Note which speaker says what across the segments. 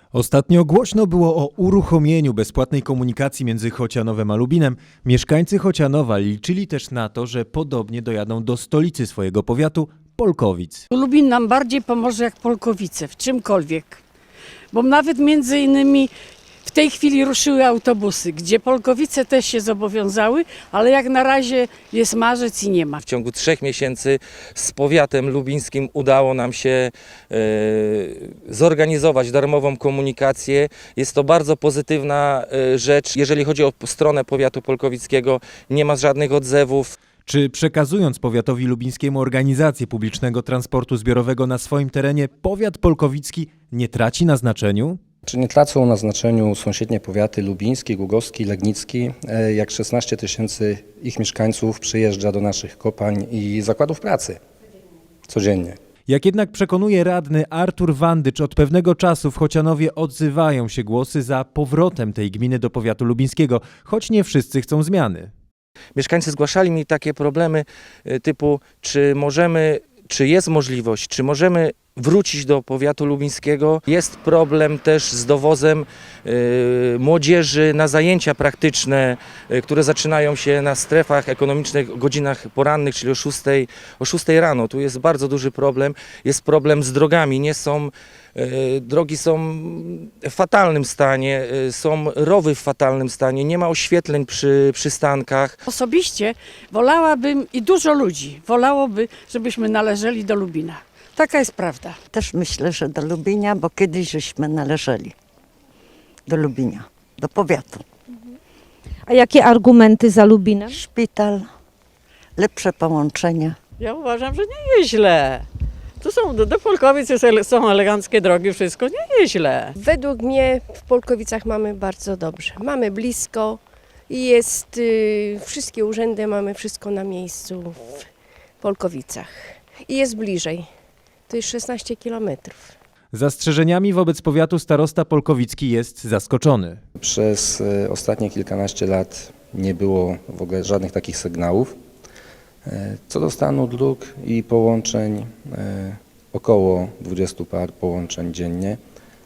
Speaker 1: Ostatnio głośno było o uruchomieniu bezpłatnej komunikacji między Chocianowem a Lubinem. Mieszkańcy Chocianowa liczyli też na to, że podobnie dojadą do stolicy swojego powiatu, Polkowic.
Speaker 2: Lubin nam bardziej pomoże jak Polkowice, w czymkolwiek. Bo nawet między innymi w tej chwili ruszyły autobusy, gdzie Polkowice też się zobowiązały, ale jak na razie jest marzec i nie ma.
Speaker 3: W ciągu 3 miesięcy z powiatem lubińskim udało nam się zorganizować darmową komunikację. Jest to bardzo pozytywna rzecz. Jeżeli chodzi o stronę powiatu polkowickiego, nie ma żadnych odzewów.
Speaker 1: Czy przekazując powiatowi lubińskiemu organizację publicznego transportu zbiorowego na swoim terenie, powiat polkowicki nie traci na znaczeniu?
Speaker 4: Czy nie tracą na znaczeniu sąsiednie powiaty lubiński, głogowski, legnicki, jak 16 000 ich mieszkańców przyjeżdża do naszych kopalń i zakładów pracy codziennie.
Speaker 1: Jak jednak przekonuje radny Artur Wandycz, od pewnego czasu w Chocianowie odzywają się głosy za powrotem tej gminy do powiatu lubińskiego, choć nie wszyscy chcą zmiany.
Speaker 3: Mieszkańcy zgłaszali mi takie problemy typu, czy jest możliwość, czy możemy wrócić do powiatu lubińskiego. Jest problem też z dowozem młodzieży na zajęcia praktyczne, które zaczynają się na strefach ekonomicznych, godzinach porannych, czyli o 6 rano. Tu jest bardzo duży problem. Jest problem z drogami. Drogi są w fatalnym stanie, są rowy w fatalnym stanie, nie ma oświetleń przy przystankach.
Speaker 2: Osobiście wolałabym i dużo ludzi wolałoby, żebyśmy należeli do Lubina. Taka jest prawda.
Speaker 5: Też myślę, że do Lubinia, bo kiedyś żeśmy należeli do Lubinia, do powiatu.
Speaker 6: A jakie argumenty za Lubinem?
Speaker 5: Szpital, lepsze połączenia.
Speaker 7: Ja uważam, że nie jest źle. Tu są do Polkowic są eleganckie drogi, wszystko nie jest źle.
Speaker 8: Według mnie w Polkowicach mamy bardzo dobrze. Mamy blisko i wszystkie urzędy, mamy wszystko na miejscu w Polkowicach. I jest bliżej. To jest 16 kilometrów.
Speaker 1: Zastrzeżeniami wobec powiatu starosta polkowicki jest zaskoczony.
Speaker 4: Przez ostatnie kilkanaście lat nie było w ogóle żadnych takich sygnałów. Co do stanu dróg i połączeń, około 20 par połączeń dziennie.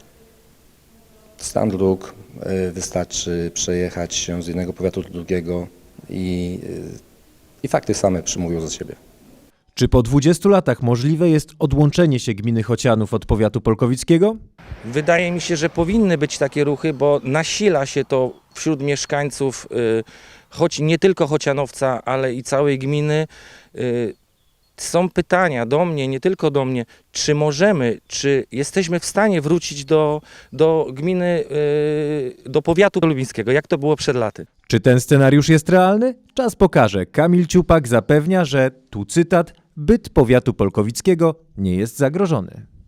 Speaker 4: Stan dróg wystarczy przejechać się z jednego powiatu do drugiego i fakty same przemówią za siebie.
Speaker 1: Czy po 20 latach możliwe jest odłączenie się gminy Chocianów od powiatu polkowickiego?
Speaker 3: Wydaje mi się, że powinny być takie ruchy, bo nasila się to wśród mieszkańców, choć nie tylko Chocianowca, ale i całej gminy. Są pytania do mnie, nie tylko do mnie, czy jesteśmy w stanie wrócić do gminy, do powiatu lubińskiego, jak to było przed laty.
Speaker 1: Czy ten scenariusz jest realny? Czas pokaże. Kamil Ciupak zapewnia, że, tu cytat, byt powiatu polkowickiego nie jest zagrożony.